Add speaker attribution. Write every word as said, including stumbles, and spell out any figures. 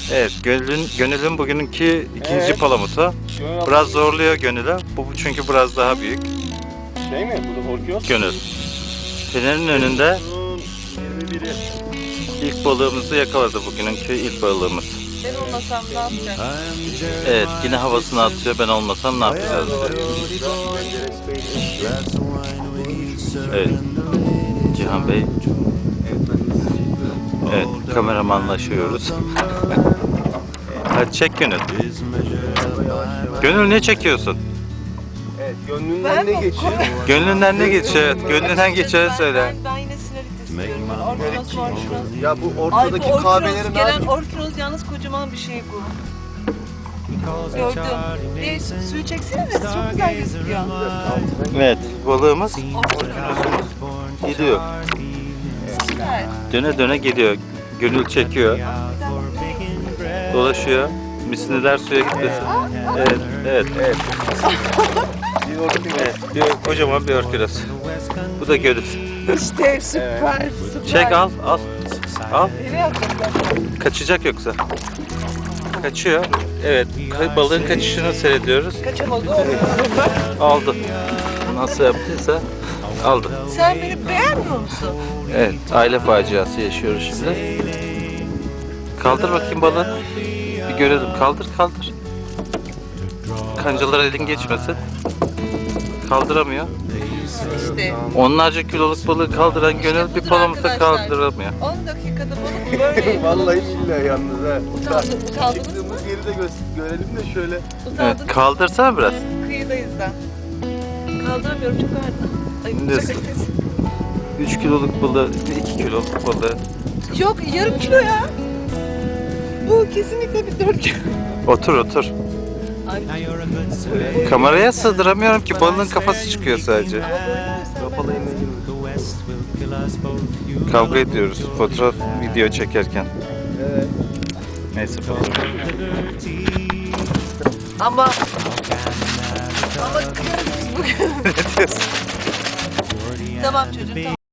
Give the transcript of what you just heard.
Speaker 1: Evet, Gönül'ün Gönül'ün bugününki ikinci
Speaker 2: Evet.
Speaker 1: palamutu.
Speaker 2: Gönül
Speaker 1: Biraz zorluyor Gönül'ü. Bu bu çünkü biraz daha büyük.
Speaker 2: şey mi? Bu da korkuyor.
Speaker 1: Gönül. Fener'in önünde
Speaker 2: yirmi biri.
Speaker 1: ilk balığımızı yakaladı bugününki ilk balığımız.
Speaker 3: Ben olmasam ne yapacak?
Speaker 1: Evet, yine havasını atıyor. Ben olmasam ne yapacağız diyor. Evet. Cihan Bey. Evet, kameramanlaşıyoruz. Hadi çek Gönül. Gönül ne çekiyorsun?
Speaker 2: Evet, gönlünden ne geçiyor?
Speaker 1: Gönlünden ne geçiyor? Evet, gönlünden geçeni söyle.
Speaker 3: Ben, ben yine sinir istiyorum. Orkinos, orkinos.
Speaker 2: Ya bu
Speaker 3: Ay bu
Speaker 2: ortadaki
Speaker 3: orkinos,
Speaker 2: kahvelerin
Speaker 3: gelen
Speaker 2: abi.
Speaker 3: orkinos yalnız kocaman bir şey bu. Gördüm. Bir suyu çeksene de çok güzel gözüküyor.
Speaker 1: Evet, balığımız
Speaker 3: Orkinos.
Speaker 1: gidiyor.
Speaker 3: Süper.
Speaker 1: Döne döne gidiyor. Gönül çekiyor. Dolaşıyor. Misliler suya gitmesin. Evet, evet, evet.
Speaker 2: Bir orkinos.
Speaker 1: Evet, bir, kocaman bir örküles. Bu da Gönül.
Speaker 3: İşte süper, süper.
Speaker 1: Çek al, al. Al.
Speaker 3: Nereye atacaklar?
Speaker 1: Kaçacak yoksa. Kaçıyor. Evet, ka- balığın kaçışını seyrediyoruz.
Speaker 3: Kaçamadı.
Speaker 1: Aldı. Nasıl yaptıysa aldı.
Speaker 3: Sen beni beğenmiyor musun?
Speaker 1: Evet, aile faciası yaşıyoruz şimdi. Kaldır bakayım balığı. Bir görelim. Kaldır, kaldır. Kancalara elin geçmesin. Kaldıramıyor.
Speaker 3: İşte
Speaker 1: Onlarca kiloluk balığı kaldıran Gönül bir
Speaker 3: budur
Speaker 1: palamuta
Speaker 3: arkadaşlar.
Speaker 1: kaldıramıyor.
Speaker 3: on dakikada balık böyle.
Speaker 2: Vallahi billahi yalnız ha.
Speaker 3: Utandı, utandınız mı?
Speaker 2: Çıktığımız yeri de gö- görelim de şöyle.
Speaker 3: Utandınız
Speaker 1: Evet,
Speaker 3: mı?
Speaker 1: kaldırsana biraz.
Speaker 3: Kıyıdayız da. Kaldıramıyorum, çok ağırdı. Ay bu
Speaker 1: Şimdi-
Speaker 3: çok acı.
Speaker 1: üç kiloluk balığı, iki kiloluk balığı.
Speaker 3: Yok, yarım kilo ya. Bu kesinlikle bir dört kilo.
Speaker 1: Otur, otur.
Speaker 3: Ay,
Speaker 1: Kameraya sığdıramıyorum ki balığın kafası çıkıyor sadece.
Speaker 2: Kapalı eline girme.
Speaker 1: Kavga ediyoruz fotoğraf, video çekerken.
Speaker 2: Evet.
Speaker 1: Neyse fotoğraf.
Speaker 3: ama ama kıyarız biz bugün.
Speaker 1: Ne diyorsun?
Speaker 3: Tamam çocuğum, tamam.